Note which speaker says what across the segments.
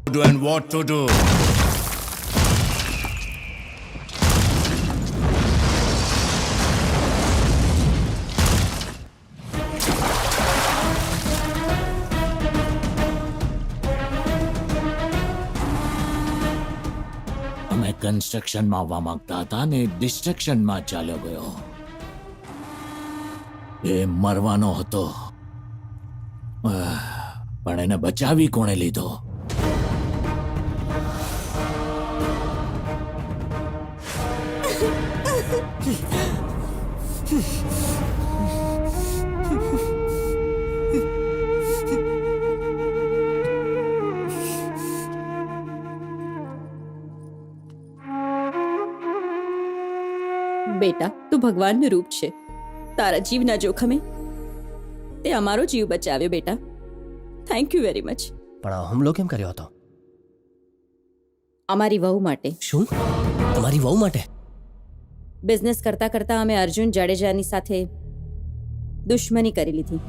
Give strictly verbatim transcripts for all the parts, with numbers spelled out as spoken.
Speaker 1: do and what to do.
Speaker 2: અમે કન્સ્ટ્રક્શનમાં આવવા માંગતા હતા ને ડિસ્ટ્રક્શનમાં ચાલ્યો ગયો. એ મરવાનો હતો, આહ, પણ એને બચાવી કોણે લીધો?
Speaker 3: બેટા, તું ભગવાનનું રૂપ છે. તારા જીવના જોખમે તે અમારો જીવ બચાવ્યો બેટા. Thank you very much.
Speaker 4: પણ આ હુમલો કેમ કર્યો હતો?
Speaker 3: અમારી વહુ માટે.
Speaker 4: શું? તમારી વહુ માટે?
Speaker 3: બિઝનેસ કરતા કરતા અમે અર્જુન જાડેજાની સાથે દુશ્મની કરી લીધી.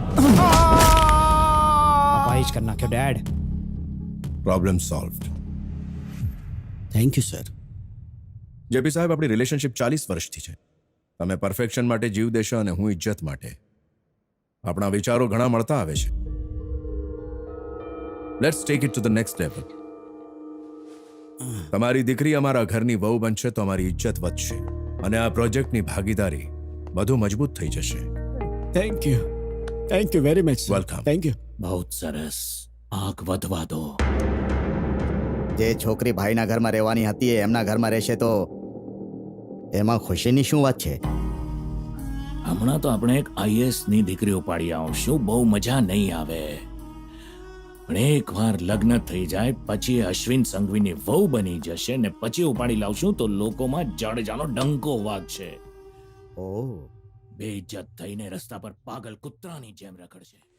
Speaker 5: અપાઈ જ કરી નાખ્યો dad.
Speaker 1: Problem solved.
Speaker 4: Thank you sir.
Speaker 1: JP સાહેબ, આપણી રિલેશનશિપ ચાલીસ વર્ષથી છે. તમે પરફેક્શન માટે જીવ દેશો અને હું ઇજ્જત માટે. આપણા વિચારો ઘણા મળતા આવે છે. Let's take it to the next level. તમારી દીકરી અમારા ઘરની વહુ બનશે તો અમારી ઇજ્જત વધશે અને આ પ્રોજેક્ટની ભાગીદારી વધુ મજબૂત થઈ જશે.
Speaker 5: Thank you thank you very much.
Speaker 1: Welcome.
Speaker 5: Thank you.
Speaker 2: બહુ જ સરસ. આગ વધવા દો.
Speaker 6: જે છોકરી ભાઈના ઘરમાં રહેવાની હતી એ એમના ઘરમાં રહેશે તો એમાં ખુશીની શું વાત છે?
Speaker 2: હમણાં તો આપણે એક આઈએએસ ની દીકરી ઉપાડી આવશું, બહુ મજા નહીં આવે. પણ એક વાર લગ્ન થઈ જાય પછી અશ્વિન સંઘવીની વહુ બની જશે ને પછી ઉપાડી લાવશું તો લોકોમાં જાડેજાનો ડંકો વાગશે.
Speaker 6: ઓહ,
Speaker 2: બેઇજ્જત થઈને રસ્તા પર પાગલ કૂતરાની જેમ રખડશે.